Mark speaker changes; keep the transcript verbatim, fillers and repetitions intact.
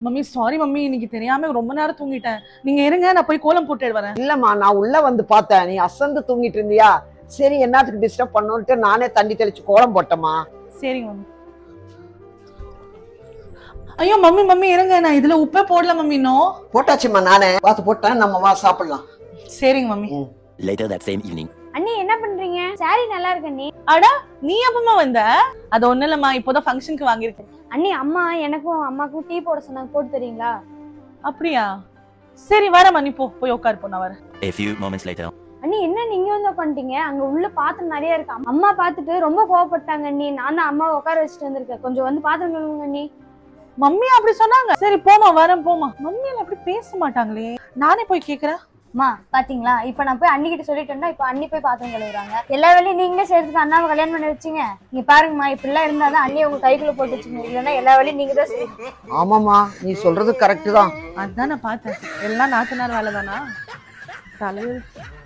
Speaker 1: Mummy sorry mummy, இன்னைக்கு தெரியாம ரொம்ப நேரம் தூங்கிட்டேன். நீங்க இருங்க, நான் போய் கோலம் போட்டு வரேன்.
Speaker 2: இல்லம்மா, நான் உள்ள வந்து பார்த்தேன், நீ அசந்து தூங்கிட்டு இருந்தியா. சரி, என்னத்துக்கு டிஸ்டர்ப் பண்ணோன்ட்டு நானே தண்ணி தெளிச்சு கோலம் போட்டேம்மா.
Speaker 1: சரிங்க மம்மி. ஐயோ மம்மி மம்மி இருங்க, நான் இதுல உப்பே போடல மம்மி. இன்னும்
Speaker 2: போட்டாச்சுமா, நானே பார்த்து போட்டேன். நம்ம வா சாப்பிடலாம்.
Speaker 1: சரிங்க mummy.
Speaker 3: Later that same evening.
Speaker 4: அண்ணி என்ன பண்றீங்க? சாரி நல்லா இருக்கு அண்ணி.
Speaker 1: அடா, நீ எப்பமா வந்த? அது ஒண்ணு இல்லம்மா, இப்போதான் ஃபங்க்ஷனுக்கு வாங்கியிருக்கேன்.
Speaker 4: அண்ணி அம்மா எனக்கும் அம்மாக்கும் டீ போட சொன்னாங்க, போட்டு தரீங்களா?
Speaker 1: அப்படியா? சரி வரேம்மா, நீ போ, போய் உட்காரு போ, நான் வரேன்.
Speaker 3: A few moments later.
Speaker 4: அண்ணி என்ன நீங்க வந்து பண்ணிட்டீங்க? அங்க உள்ள பாத்திரம் நிறைய இருக்கு. அம்மா பார்த்துட்டு ரொம்ப கோவப்பட்டாங்க அண்ணி. நான் தான் அம்மா உட்கார வச்சுட்டு வந்திருக்கேன். கொஞ்சம் வந்து பாத்திரம் கழுவுங்க அண்ணி.
Speaker 1: மம்மி அப்படி சொன்னாங்க. சரி போமா, வரேன் போமா. மம்மி எல்லாம் அப்படி பேச மாட்டாங்களே, நானே போய் கேக்குறேன்.
Speaker 4: அம்மா பாத்தீங்களா, இப்ப நான் போய் அண்ணி கிட்ட சொல்லிட்டேன்னா இப்ப அண்ணி போய் பாத்திரம் கழுவுறாங்க. எல்லா வேலையும் நீங்களே சேர்த்துக்கு அண்ணாவை கல்யாணம் பண்ணி வச்சீங்க. நீங்க பாருங்கம்மா, இப்படி எல்லாம் இருந்தாதான் அண்ணி உங்க கைக்குள்ள போட்டு வச்சுங்க. இல்லைன்னா எல்லா வேலையும் நீங்க தான் செய்யணும்.
Speaker 2: ஆமாம்மா, நீ சொல்றது கரெக்ட் தான்.
Speaker 1: அதான் நான் பார்த்தேன், எல்லாம் நாத்தனார் வேலை தானா தலைவர்.